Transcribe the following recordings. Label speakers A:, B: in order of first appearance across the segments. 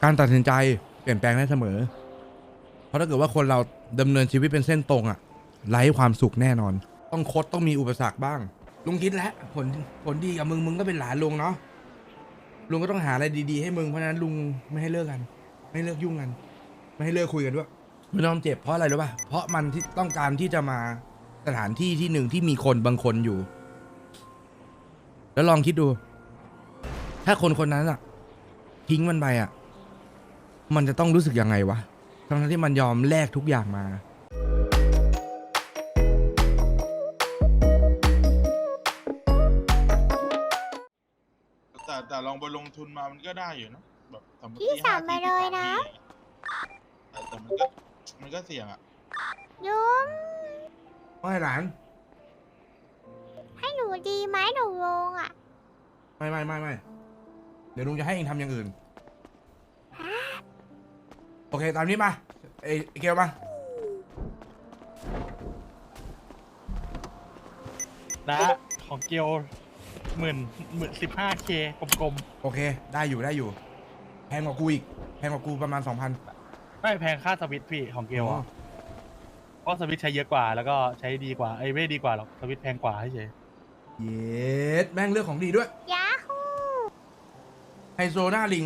A: การตัดสินใจเปลี่ยนแปลงได้เสมอเพราะถ้าเกิดว่าคนเราดำเนินชีวิตเป็นเส้นตรงอะไร้ความสุขแน่นอนต้องคดต้องมีอุปสรรคบ้างลุงคิดแล้วผลดีกับมึงก็เป็นหลานลุงเนาะลุงก็ต้องหาอะไรดีๆให้มึงเพราะฉะนั้นลุงไม่ให้เลิกกันไม่ให้เลิกยุ่งกันไม่ให้เลิกคุยกันด้วยไม่ต้องเจ็บเพราะอะไรรู้ป่ะเพราะมันที่ต้องการที่จะมาสถานที่ที่หนึ่งที่มีคนบางคนอยู่แล้วลองคิดดู ถ้าคนคนนั้นอะทิ้งมันไปอะมันจะต้องรู้สึกยังไงวะทั้งที่มันยอมแลกทุกอย่างมา
B: แต่ลองไปลงทุนมามันก็ได้อยู่นะแบบสมมติ
C: พี่สั่งมาเลยนะ
B: แต่มันก็เสี่ยงอ่ะ
C: ลุง
A: ไม่หลาน
C: ให้หนูดีไหมหนูลงอ่ะ
A: ไม่เดี๋ยวลุงจะให้เองทำอย่างอื่นโอเคตามนี้มาไอ้เกลมา
D: นะของเกียว15K กลม
A: โอเคได้อยู่แพงกว่ากูอีกแพงกว่ากูประมาณ 2,000
D: ๆไม่แพงค่าสวิตช์พี่ของเกียวอ่ะเพราะสวิตช์ใช้เยอะกว่าแล้วก็ใช้ดีกว่าไอ้ไม่ดีกว่าหรอกสวิตช์แพงกว่าเฉย
A: เย็ดแม่งเรื่องของดีด้วย
C: ยาฮู
A: ไฮโซหน้าลิง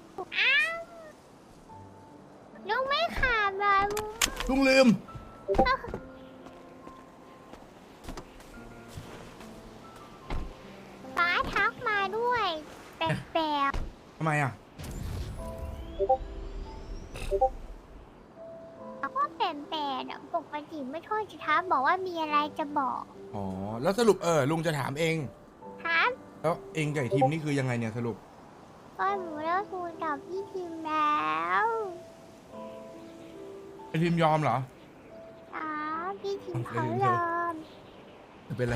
C: ลุงไม่ขาดเลยลุง
A: ลุงลืม
C: ป้าทักมาด้วยแปลก
A: ทำไมอ่ะ
C: ๆแล้วก็แปลกๆอ่ะปกติไม่ค่อยจะทักบอกว่ามีอะไรจะบอก
A: อ๋อแล้วสรุปลุงจะถามเอง
C: ครับ
A: แล้วเองกับไอ้ทีมนี่คือยังไงเนี่ยสรุป
C: ก็หนูเลิกคุยกับพี่ทีมแล้ว
A: ไอ้ทีมยอมเหรอ
C: พี่ทีมเขา
A: โอเค
C: ยอม
A: จะเป็นไร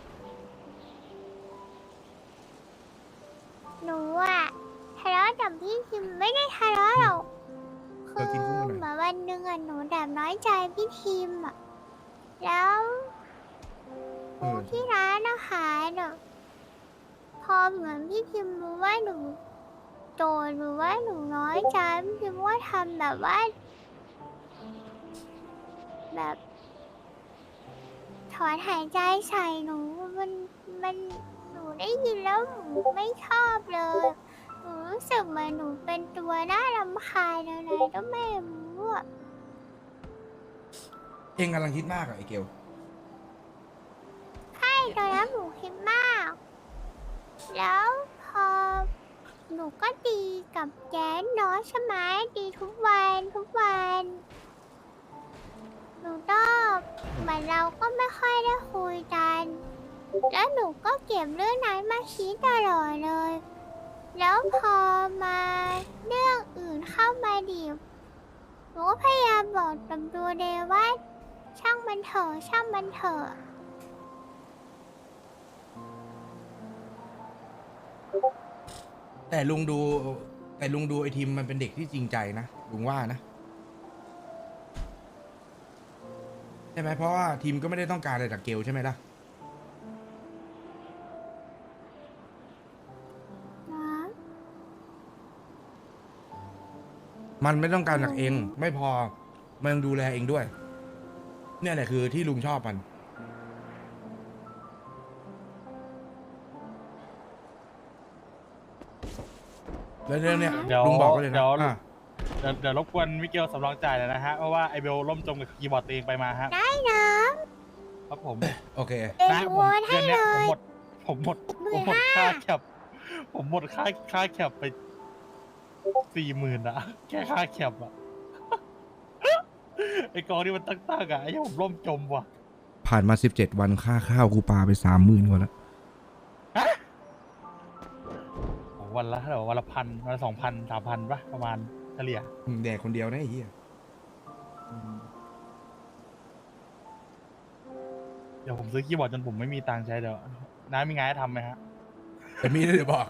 C: หนูอะทะเลาะกับพี่ทีมไม่ได้ทะเลาะหรอก
A: เธอกินกุ้งมาหน่อย
C: เหมือนวันหนึ่งอะหนูแบบน้อยใจพี่ทีมอะแล้วที่ร้านอาหารอะพอเหมือนพี่ทีมรู้ว่าหนูโกรธหรือว่าหนูน้อยใจพี่ทีมก็ทำแบบว่า แบบถอนหายใจใส่หนูมันหนูได้ยินแล้วหนูไม่ชอบเลยหนูรู้สึกเหมือนหนูเป็นตัวน่ารำคาญอะไรก็ไม่รู้อะ
A: เองกำลังคิดมากอะไอ้เกล
C: ใช่ตอนนั้นหนูคิดมาก แล้วพอหนูก็ตีกับแจ๊นเนาะใช่ไหมตีทุกวันหนูก็เหมือนเราก็ไม่ค่อยได้คุยกัน แล้วหนูก็เก็บเรื่องนั้นมาคิดตลอดเลย แล้วพอมาเรื่องอื่นเข้ามาดิบหนูก็พยายามบอกกับตัวเองว่าช่างมันเถอะ
A: แต่ลุงดูไอ้ทีมมันเป็นเด็กที่จริงใจนะลุงว่านะใช่ไหมเพราะว่าทีมก็ไม่ได้ต้องการอะไรจากเกลใช่ไหมล่ะ
C: นะ
A: มันไม่ต้องการจากเองไม่พอมันยังดูแลเองด้วย เนี่ยแหละคือที่ลุงชอบมันแล้วเรื่องเนี้ย
D: เดี๋ยว
A: ลุงบอกก็เลยนะ
D: เดี๋ยว
A: อ่ะ
D: เดี๋ยวรบกวนมิเกลสำรองจ่ายเลยนะฮะเพราะว่าไอเบลล่มจมกับคีย์บอร์ดตัวเองไปมาฮะ
C: ได้นะครับ
D: ผม
A: โอเค
C: เด
D: นะ
C: น
D: ผ
C: ว
D: ม
C: อนให้
D: เดือน
C: เล
D: เนี้ย
C: ย
D: ผมหมดค่าแคปผมหมดค่าแคปไป40,000อะแค่ค่าแคปอะไอกองที่มันตั้งๆอะไอ้เหี้ยผมล่มจมว่ะ
A: ผ่านมา17 วันค่าข้าวกูปาไป30,000กว่าแล้ว
D: โอ้วันละเท่าไหร่วะวันละ1,000วันละ2,000 3,000ป่ะประมาณเฉลี่ย
A: แดกคนเดียวนะไอ้เหี้ย
D: เดี๋ยวผมซื้อคีย์บอร์ดจนผมไม่มีตังค์ใช้เดี๋ยวน้ามีงานให้ทำไหมฮะ
A: แต่มีนะเดี๋ยวบอก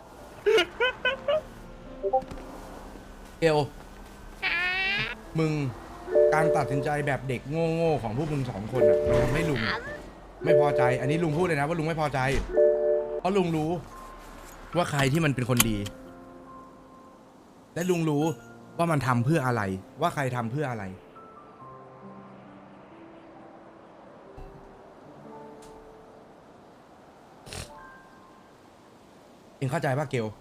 A: เกลมึงการตัดสินใจแบบเด็กโง่ๆของพวกมึง2 คนอ่ะมันทำให้ลุงไม่พอใจ อันนี้ลุงพูดเลยนะว่าลุงไม่พอใจ เพราะลุงรู้ว่าใครที่มันเป็นคนดีและลุงรู้ว่ามันทำเพื่ออะไร ว่าใครทำเพื่ออะไร เองเข้าใจป่ะเกล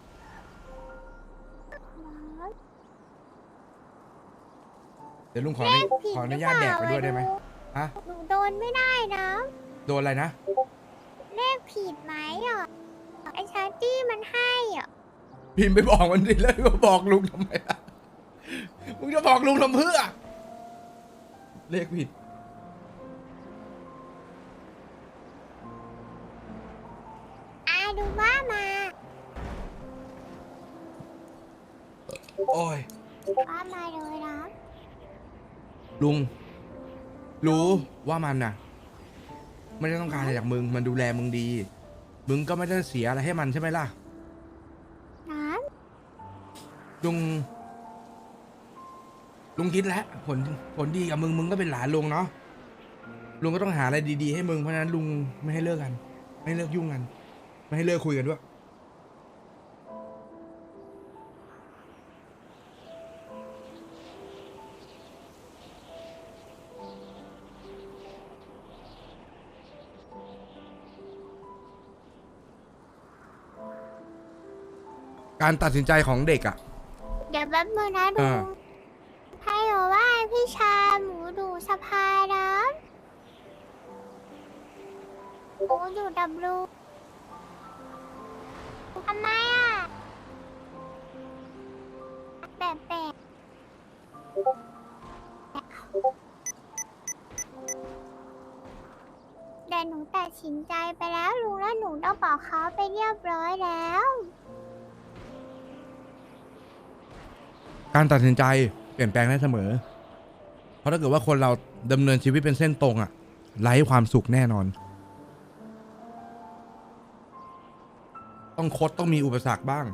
A: เดี๋ยวลุงขออนุญาตแดกไปด้วยได้ไหมฮะ
C: หนูโดนไม่ได้นะ
A: โดนอะไรนะ
C: เลขผิดไหมอ่ะไอชาร์ตี้มันให้อ่ะ
A: พิมพ์ไปบอกมันดิแล้วมาบอกลุงทำไมล่ะ มึงจะบอกลุงทำเพื่อ เลขผิด
C: ดูว่ามา
A: โอ้ย
C: ว่ามาเลยนะ
A: ลุง รู้ว่ามันน่ะ ไม่ได้ต้องการอะไรจากมึง มันดูแลมึงดี มึงก็ไม่ได้เสียอะไรให้มันใช่ไหมล่ะ
C: น้
A: ลุงคิดแล้วผลดีกับมึงก็เป็นหลานลุงเนาะ ลุงก็ต้องหาอะไรดีๆให้มึง เพราะฉะนั้นลุงไม่ให้เลิกกัน ไม่ให้เลิกยุ่งกัน ไม่ให้เลิกคุยกันด้วย การตัดสินใจของเด็กอ่ะ
C: ำเดี๋ยวแป๊บนึงนะดู ให้หนูว่าพี่ชาหมูดูสภานะหมูอยู่ดับลูทำไมอ่ะแปลกแต่หนูตัดสินใจไปแล้วลุงแล้วหนูต้องบอกเขาไปเรียบร้อยแล้ว
A: การตัดสินใจเปลี่ยนแปลงได้เสมอ เพราะถ้าเกิดว่าคนเราดำเนินชีวิตเป็นเส้นตรงอะไร้ความสุขแน่นอน ต้องมีอุปสรรคบ้าง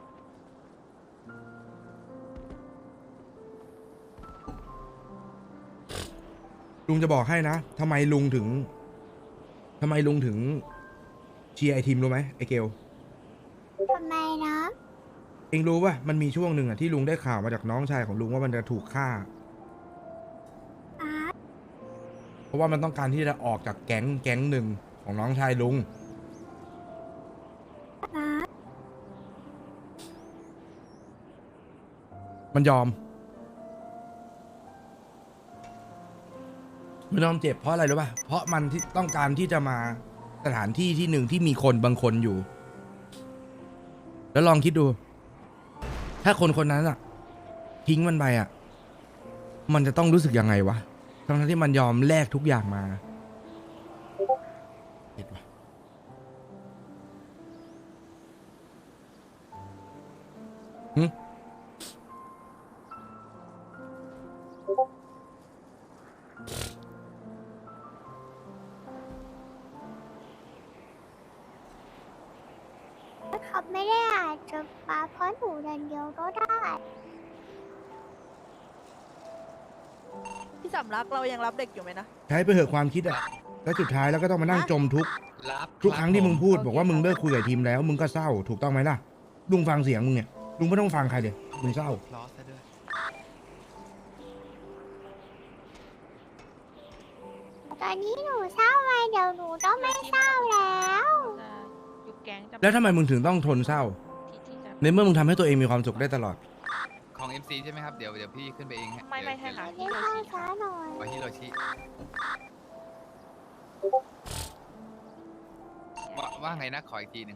A: ลุงจะบอกให้นะทำไมลุงถึงเชียร์ไอทีมรู้ไหมไอเกล
C: ทำไมนะ
A: เองรู้ป่ะมันมีช่วงหนึ่งอะที่ลุงได้ข่าวมาจากน้องชายของลุงว่ามันจะถูกฆ่า
C: อ่ะ
A: เพราะว่ามันต้องการที่จะออกจากแก๊งหนึ่งของน้องชายลุง
C: อ่ะ
A: มันยอมเจ็บเพราะอะไรรู้ป่ะ เพราะมันที่ต้องการที่จะมาสถานที่ที่หนึ่งที่มีคนบางคนอยู่ แล้วลองคิดดู ถ้าคนคนนั้นอะทิ้งมันไปอะมันจะต้องรู้สึกยังไงวะ ทั้งที่มันยอมแลกทุกอย่างมาเห็นปะหึ
C: เขาไม่ได้อาจจะมาเพราะหนูเดินเดียวก็ได้
E: พี่สำรักเรายังรับเด็กอยู่ไหมนะ
A: ใช้ไปเหอะความคิดอะแล้วสุดท้ายแล้วก็ต้องมานั่งจมทุกข์ ทุกครั้งที่มึงพูดบอกว่ามึงเลิกคุยกับทีมแล้ว มึงก็เศร้าถูกต้องไหมล่ะ ลุงฟังเสียงมึงเนี่ย ลุงไม่ต้องฟังใครเลยมึงเศร้า
C: ตอนนี้หนูเศร้าไงเดี๋ยวหนูต้องไม่เศร้าแล้ว
E: จะยุบแก๊งจะ
A: แล้วทำไมมึงถึงต้องทนเศร้า
E: ที่จะ
A: ในเมื่อมึงทำให้ตัวเองมีความสุขได้ตลอด
F: ของ MC ใช่ไหมครับ เดี๋ยวพี่ขึ้นไปเองฮะ
E: ไม่ใช่ค่ะ
C: ไม่เข้าช้าหน่อย
F: ไว้ฮิโรชิว่าไงนะขออีกทีหนึ่ง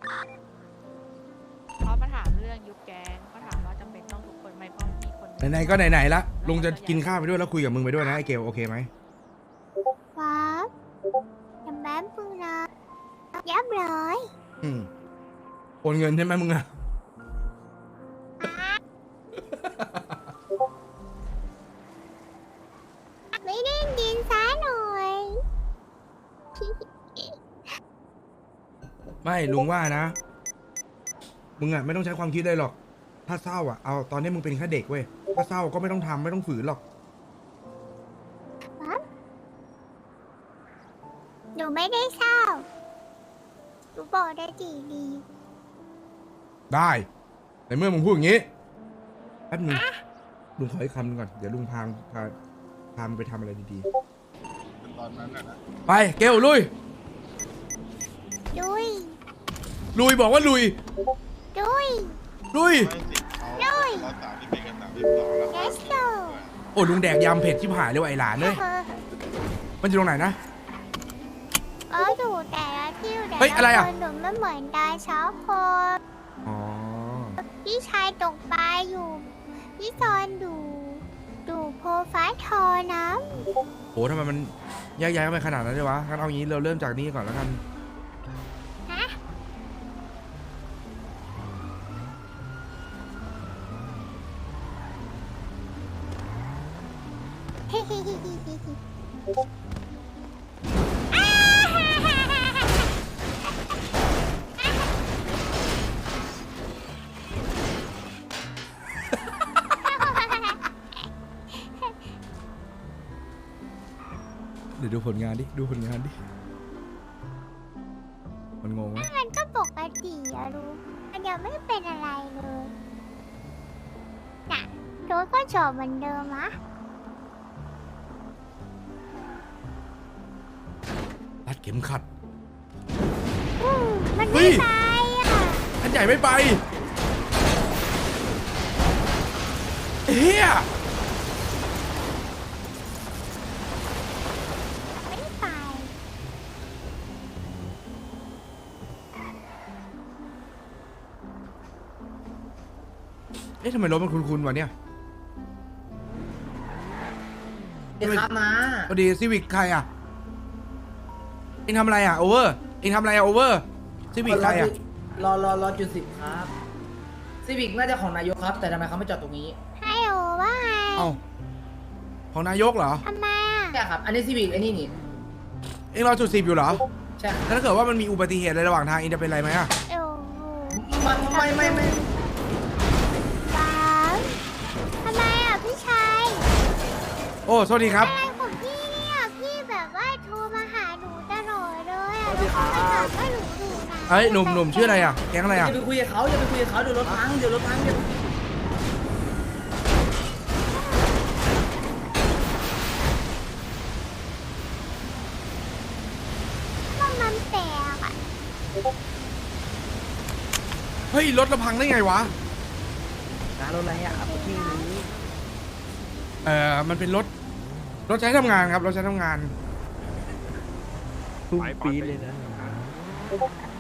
E: เขามาถามเรื่องยุบแก๊งเขาถามว่าจำเป็นต้องทุกคนไหมเพราะมีคน
A: ไหนๆก็ไหนๆละลุงจะกินข้าวไปด้วยแล้วคุยกับมึงไปด้วยนะไอเกลโอเคไหม
C: ครับอย่าแป๊บนึงนะยับเลย
A: โอนเงินใช่ไหมมึงอะ
C: ไม่ได้กินซะหน่อย
A: ไม่ลุงว่านะ มึงอะไม่ต้องใช้ความคิดเลยหรอก ถ้าเศร้าอะเอาตอนนี้มึงเป็นแค่เด็กเว้ยถ้าเศร้าก็ไม่ต้องทำไม่ต้องฝืนหรอก
C: หนูไม่ได้เศร้าหนูบอกได้ดี
A: ได้ในเมื่อมึงพูดอย่างนี้ป๊บนึงลุงขออีกคำหนึงก่อนเดี๋ยวลุงพามันไปทำอะไรดี
B: ตอนนั้นนะ
A: ๆไปเกลลุย
C: ดุย
A: ลุยบอกว่าลุย
C: ดุย
A: ลุย
B: ไม่สิเขาเรา31กับ32แล้ว
C: let's go
A: โอ้ลุงแดกยำเผ็ดชิบหายเลยว่ะไอ้หลานเลยมันอยู่ตรงไหนนะ
C: อยู่แต่ละที่แต่
A: เฮ้ยอะไรอะ
C: ละคนหนูไม่เหมือนกันชอบคน
A: อ๋อ
C: พี่ชายตกปลาอยู่ พี่ซอนดูโพฟ้าทอน้
A: โหทำไมมันแยกย้ายกันไปขนาดนั้นเลยวะงั้นเอางี้เราเริ่มจากนี้ก่อนแล้วกัน
C: ำฮะ
A: เดี๋ยวดูผลงานดิดูผลงานดิมันงงไหม
C: มันก็ปกติอะลูกมันยังไม่เป็นอะไรเลยน่ะรถก็จอดเหมือนเดิมอะ
A: รัดเข็มขัด
C: มัน
A: เฮ้
C: ไม่
A: ย
C: ไปอะ
A: อันใหญ่ไม่ไปเฮีย
C: ไม่ได้ไป
A: เอ๊ะทำไมรถมันคุ้นๆวะเนี่ย
G: เดี๋ยวครับนะ
A: พอดีซีวิกใครอ่ะเอ็งทำอะไรอ่ะโอเวอร์เอ็งทำอะไรอ่ะโอเวอร์ซีวิกใครอ่ะ
G: รอจุด10ครับซีวิกน่าจะของนายกครับ แต่ทำไมเขาไม่จอดตรงนี้
C: ให้โอว่าไง
A: เอ้าของนายกเหรอ
C: ทำไมอะ
G: ใช่ครับ อันนี้ซีวิกไอ้นี่นี่
A: เอ็งรอจุด10อยู่เหรอ
G: ใช่ครับ
A: แล้วถ้าเกิดว่ามันมีอุบัติเหตุอะไรระหว่างทางเอ็งจะเป็นอะไรไหมอ่ะ
C: โอ้โห
G: มันไม่
C: ว้าวทำไมอะพี่ชาย
A: โอ้สวัสดีครับ
C: อะไรของพี่เนี่ยพี่แบบว่าโทรมาหาหนูตลอดเลยอะแล้วเขามาถามว่าหนูอยู่ไหน
A: เอ้ยหนุ่มชื่ออะไรอ่ะแก๊งอะไร
G: อย่า
A: อ่ะ
G: ไปคุยกับเขาอย่าไปคุยกับเขาเดี๋ยวรถพังเดี๋ยวรถพังเดี๋ยว
C: มันแตกอะ
A: เฮ้ยรถเราพังได้ไงวะ
G: นะรถอะไรอ่ะพี่นี้
A: มันเป็นรถใช้ทำงานครับรถใช้ทำงาน
H: ไปปีเลยนะ